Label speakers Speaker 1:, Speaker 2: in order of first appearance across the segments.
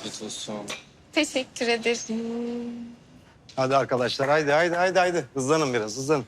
Speaker 1: Afiyet olsun.
Speaker 2: Teşekkür ederim.
Speaker 3: Hadi arkadaşlar haydi. Hızlanın biraz hızlanın.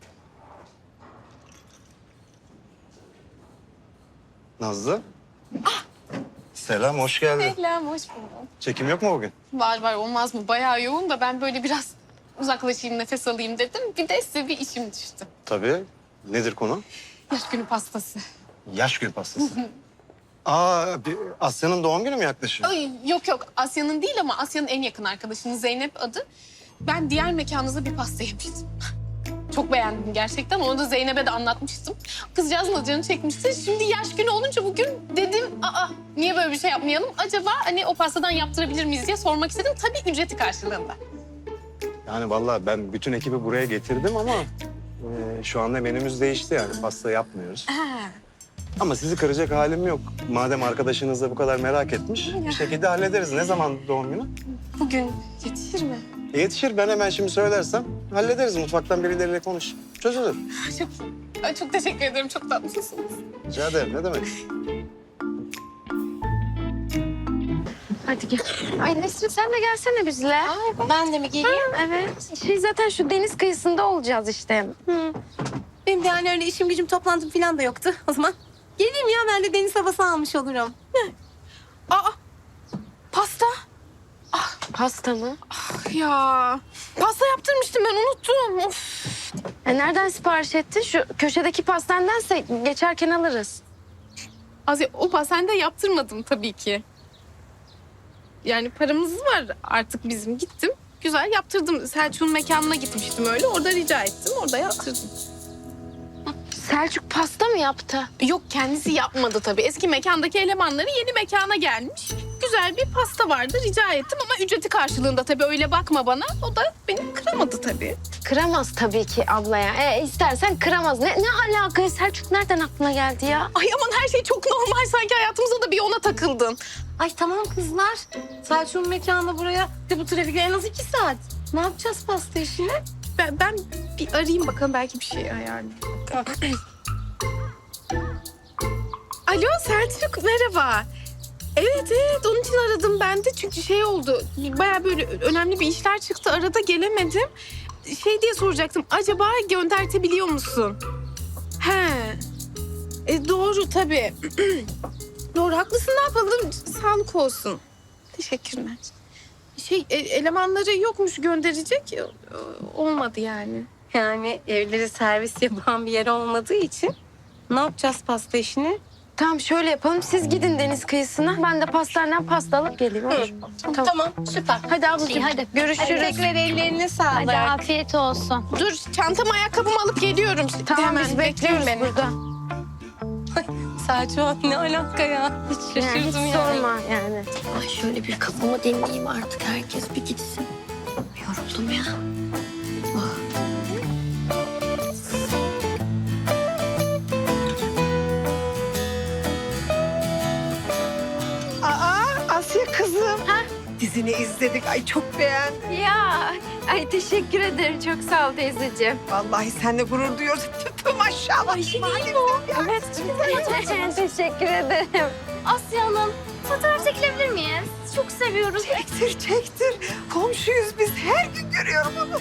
Speaker 3: Nazlı. Selam hoş geldin.
Speaker 2: Selam, hoş bulduk.
Speaker 3: Çekim yok mu bugün?
Speaker 2: Var olmaz mı? Bayağı yoğun da ben böyle biraz uzaklaşayım, nefes alayım dedim. Bir de size bir işim düştü.
Speaker 3: Tabii. Nedir konu?
Speaker 2: Yaş günü pastası.
Speaker 3: Yaş günü pastası. Asya'nın doğum günü mü yaklaşıyor?
Speaker 2: Ay, yok Asya'nın değil ama Asya'nın en yakın arkadaşının Zeynep adı. Ben diğer mekanınızda bir pasta yemiştim. Çok beğendim gerçekten. Onu da Zeynep'e de anlatmıştım. Kızcağızın da canı çekmişti. Şimdi yaş günü olunca bugün dedim niye böyle bir şey yapmayalım? Acaba hani o pastadan yaptırabilir miyiz diye sormak istedim. Tabii ücreti karşılığında.
Speaker 3: Yani vallahi ben bütün ekibi buraya getirdim ama şu anda menümüz değişti yani pasta yapmıyoruz. Ama sizi kıracak halim yok. Madem arkadaşınız da bu kadar merak etmiş bir şekilde hallederiz. Ne zaman doğum günü?
Speaker 2: Bugün yetişir mi?
Speaker 3: Yetişir ben hemen şimdi söylersem hallederiz. Mutfaktan birileriyle konuş. Çözülür.
Speaker 2: Çok teşekkür ederim. Çok tatlısınız.
Speaker 3: Rica ederim ne demek.
Speaker 4: Hadi gel. Ay Nesrin sen de gelsene bizle.
Speaker 5: Ben de mi geleyim?
Speaker 4: Evet. Zaten şu deniz kıyısında olacağız işte.
Speaker 5: Benim de yani öyle işim gücüm toplantım falan da yoktu o zaman. Geleyim ya ben de deniz havası almış olurum.
Speaker 2: Pasta.
Speaker 4: Pasta mı?
Speaker 2: Ya pasta yaptırmıştım ben unuttum. Of.
Speaker 4: Nereden sipariş ettin? Şu köşedeki pastandense geçerken alırız.
Speaker 2: Aziz o pastanede yaptırmadım tabii ki. Yani paramız var artık bizim. Gittim güzel yaptırdım. Selçuk'un mekanına gitmiştim öyle. Orada rica ettim. Orada yaptırdım.
Speaker 4: Selçuk pasta mı yaptı?
Speaker 2: Yok kendisi yapmadı tabii. Eski mekandaki elemanları yeni mekana gelmiş. Güzel bir pasta vardı rica ettim ama ücreti karşılığında tabii öyle bakma bana. O da beni kıramadı tabii.
Speaker 4: Kıramaz tabii ki ablaya. İstersen kıramaz. Ne alaka? Selçuk nereden aklına geldi ya?
Speaker 2: Ay aman her şey çok normal sanki hayatımıza da bir ona takıldın.
Speaker 5: Ay tamam kızlar. Selçuk'un mekanına buraya de bu trafikle en az 2 saat. Ne yapacağız pasta işini?
Speaker 2: Ben bir arayayım bakalım belki bir şey ayarlayayım. Alo Selçuk merhaba. Evet onun için aradım ben de çünkü şey oldu. Bayağı böyle önemli bir işler çıktı arada gelemedim. Şey diye soracaktım acaba göndertebiliyor musun? He. Doğru tabii. Doğru haklısın ne yapalım sağlık olsun. Teşekkürler. Elemanları yokmuş gönderecek olmadı yani.
Speaker 5: Yani evleri servis yapan bir yer olmadığı için ne yapacağız pasta işini?
Speaker 4: Tamam şöyle yapalım. Siz gidin deniz kıyısına. Ben de pastaneden pasta alıp geleyim. Olur.
Speaker 5: Tamam süper.
Speaker 4: Hadi ablacığım.
Speaker 5: Hadi
Speaker 4: Görüşürüz.
Speaker 5: tekrar ellerine sağlık.
Speaker 4: Hadi afiyet olsun.
Speaker 2: Dur çantamı ayakkabımı alıp geliyorum.
Speaker 4: Tamam biz bekliyoruz
Speaker 2: beni.
Speaker 4: burada.
Speaker 5: Selçuk ne alaka ya? Hiç
Speaker 4: Yani hiç
Speaker 5: şaşırdım
Speaker 4: sorma yani.
Speaker 6: Ay şöyle bir kafamı dinleyeyim artık. Herkes bir gitsin. Yoruldum ya.
Speaker 7: Asya kızım. Dizini izledik. Ay çok beğendim.
Speaker 4: Ya ay teşekkür ederim. Çok sağ ol teyzeciğim.
Speaker 7: Vallahi seninle gurur duyuyoruz. Maşallah.
Speaker 4: Evet. Teşekkür ederim.
Speaker 6: Asya Hanım, fotoğraf çekilebilir miyiz? Çok seviyoruz.
Speaker 7: Çektir. Komşuyuz biz. Her gün görüyorum onu.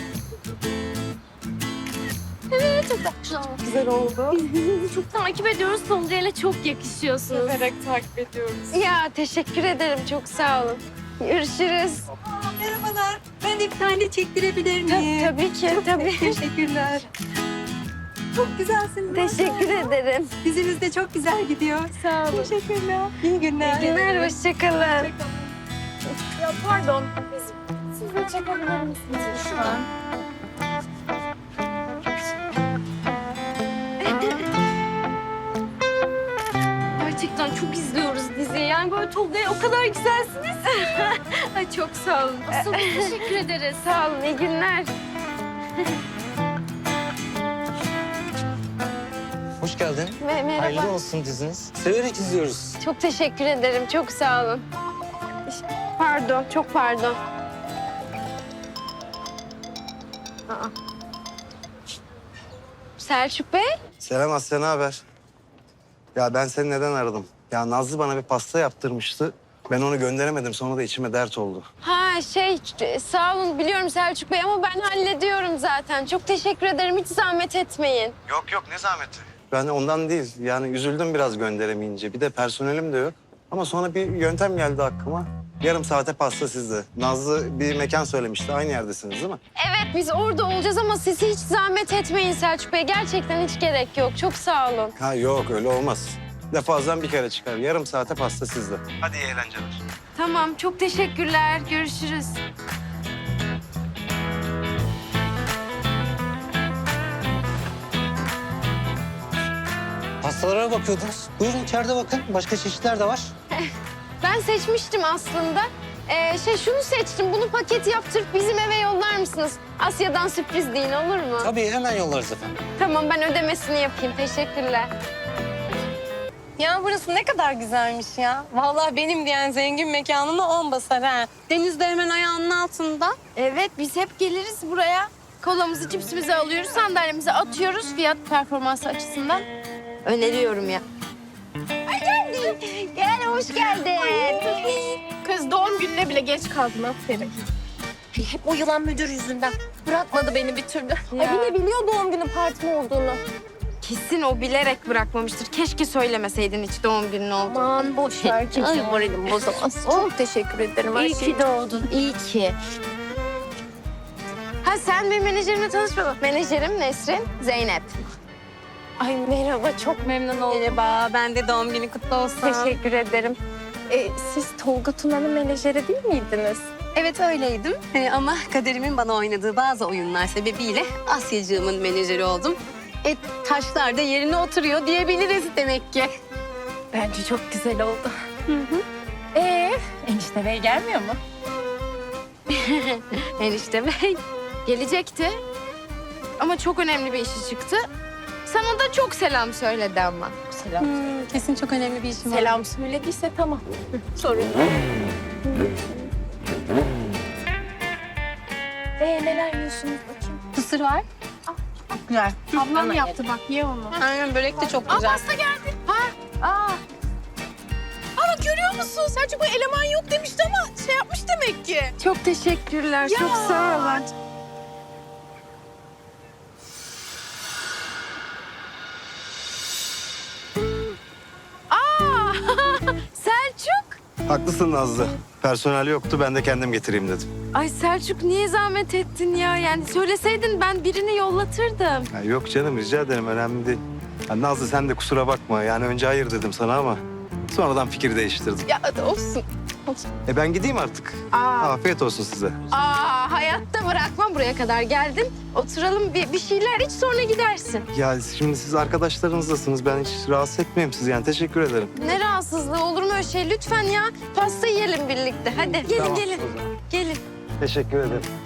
Speaker 4: Güzel oldu.
Speaker 6: Birbirinizi çok takip ediyoruz. Sonucuyla çok yakışıyorsunuz.
Speaker 2: takip ediyoruz.
Speaker 4: Ya teşekkür ederim. Çok sağ olun. Görüşürüz.
Speaker 5: Merhabalar. Ben de bir tane çektirebilir miyim?
Speaker 4: Tabii ki. Tabii.
Speaker 5: Teşekkürler. Çok güzelsiniz.
Speaker 4: Teşekkür ederim.
Speaker 5: Diziniz de çok güzel gidiyor.
Speaker 4: Sağ olun.
Speaker 5: Teşekkürler. İyi günler.
Speaker 4: İyi günler. Hoşçakalın.
Speaker 2: Ya pardon. Siz de çekebilir misiniz lütfen?
Speaker 6: Gerçekten çok izliyoruz diziyi. Yani böyle Tolga'ya o kadar güzelsiniz.
Speaker 4: Ay çok sağ olun.
Speaker 6: Asıl teşekkür ederiz.
Speaker 4: Sağ olun. İyi günler.
Speaker 1: Hoş geldin.
Speaker 4: Merhaba.
Speaker 1: Hayırlı olsun diziniz. Severek izliyoruz.
Speaker 4: Çok teşekkür ederim. Çok sağ olun. Pardon. Çok pardon. Aa. Selçuk Bey.
Speaker 3: Selam Asya ne haber? Ya ben seni neden aradım? Ya Nazlı bana bir pasta yaptırmıştı. Ben onu gönderemedim. Sonra da içime dert oldu.
Speaker 4: Ha sağ olun biliyorum Selçuk Bey ama ben hallediyorum zaten. Çok teşekkür ederim. Hiç zahmet etmeyin.
Speaker 3: Yok ne zahmeti. Ben ondan değil. Yani üzüldüm biraz gönderemeyince. Bir de personelim de yok. Ama sonra bir yöntem geldi aklıma. Yarım saate pasta sizde. Nazlı bir mekan söylemişti. Aynı yerdesiniz değil mi?
Speaker 4: Evet biz orada olacağız ama siz hiç zahmet etmeyin Selçuk Bey. Gerçekten hiç gerek yok. Çok sağ olun.
Speaker 3: Ha yok öyle olmaz. Defazdan bir kere çıkar. Yarım saate pasta sizde. Hadi iyi eğlenceler.
Speaker 4: Tamam çok teşekkürler. Görüşürüz.
Speaker 1: Pastalara bakıyordunuz. Buyurun içeride bakın. Başka çeşitler de var.
Speaker 4: Ben seçmiştim aslında. Şunu seçtim. Bunu paket yaptırıp bizim eve yollar mısınız? Asya'dan sürpriz deyin olur mu?
Speaker 1: Tabii hemen yollarız efendim.
Speaker 4: Tamam ben ödemesini yapayım. Teşekkürler.
Speaker 5: Ya burası ne kadar güzelmiş ya. Vallahi benim diyen zengin mekanına 10 basar ha. Deniz de hemen ayağının altında.
Speaker 2: Evet biz hep geliriz buraya. Kolamızı, cipsimizi alıyoruz, sandalyemize atıyoruz fiyat performansı açısından.
Speaker 4: Öneriyorum ya. Gel hoş geldin.
Speaker 2: Kız doğum gününe bile geç kaldın aferin.
Speaker 5: Hep o yılan müdür yüzünden. Bırakmadı beni bir türlü. Ay bir de biliyor doğum günü partim olduğunu.
Speaker 4: Kesin o bilerek bırakmamıştır. Keşke söylemeseydin hiç doğum günün olduğunu.
Speaker 5: Aman boş ver. Kimse moralim bozamaz. Çok teşekkür ederim.
Speaker 4: İyi ki doğdun. İyi ki. Ha sen benim menajerimle tanışmadın. Menajerim Nesrin, Zeynep.
Speaker 5: Ay merhaba çok memnun oldum. Merhaba ben de doğum günü kutlu olsun.
Speaker 4: Teşekkür ederim.
Speaker 5: Siz Tolga Tuna'nın menajeri değil miydiniz?
Speaker 8: Evet öyleydim ama kaderimin bana oynadığı bazı oyunlar sebebiyle Asyacığımın menajeri oldum. Taşlar da yerine oturuyor diyebiliriz demek ki.
Speaker 5: Bence çok güzel oldu. Enişte Bey gelmiyor mu?
Speaker 4: Enişte Bey gelecekti. Ama çok önemli bir işi çıktı. Sana da çok selam söyledi ama.
Speaker 5: Selam.
Speaker 8: Kesin çok önemli bir işim var.
Speaker 5: Selam söylediyse tamam. Sorun yok. Neler yiyorsunuz bakayım?
Speaker 8: Kısır var.
Speaker 5: Güzel.
Speaker 2: Ablam yaptı bak ye onu.
Speaker 8: Aynen börek de çok güzel.
Speaker 2: Pasta geldi. Aa görüyor musun? Selçuk bu eleman yok demişti ama şey yapmış demek ki.
Speaker 4: Çok teşekkürler. Çok sağ olun. Selçuk.
Speaker 3: Haklısın Nazlı. Personel yoktu. Ben de kendim getireyim dedim.
Speaker 4: Ay Selçuk niye zahmet ettin ya? Yani söyleseydin ben birini yollatırdım.
Speaker 3: Ya yok canım rica ederim. Önemli değil. Ya Nazlı sen de kusura bakma. Yani önce hayır dedim sana ama sonradan fikir değiştirdim.
Speaker 2: Ya olsun.
Speaker 3: Ben gideyim artık. Afiyet olsun size.
Speaker 4: Hayatta bırakmam buraya kadar geldin. Oturalım bir şeyler iç sonra gidersin.
Speaker 3: Ya şimdi siz arkadaşlarınızdasınız. Ben hiç rahatsız etmeyeyim sizi yani. Teşekkür ederim.
Speaker 4: Ne rahatsızlığı olur mu öyle şey? Lütfen ya pasta yiyelim birlikte. Hadi gelin
Speaker 3: Tamam,
Speaker 4: gelin.
Speaker 3: o zaman.
Speaker 4: Gelin.
Speaker 3: Teşekkür ederim.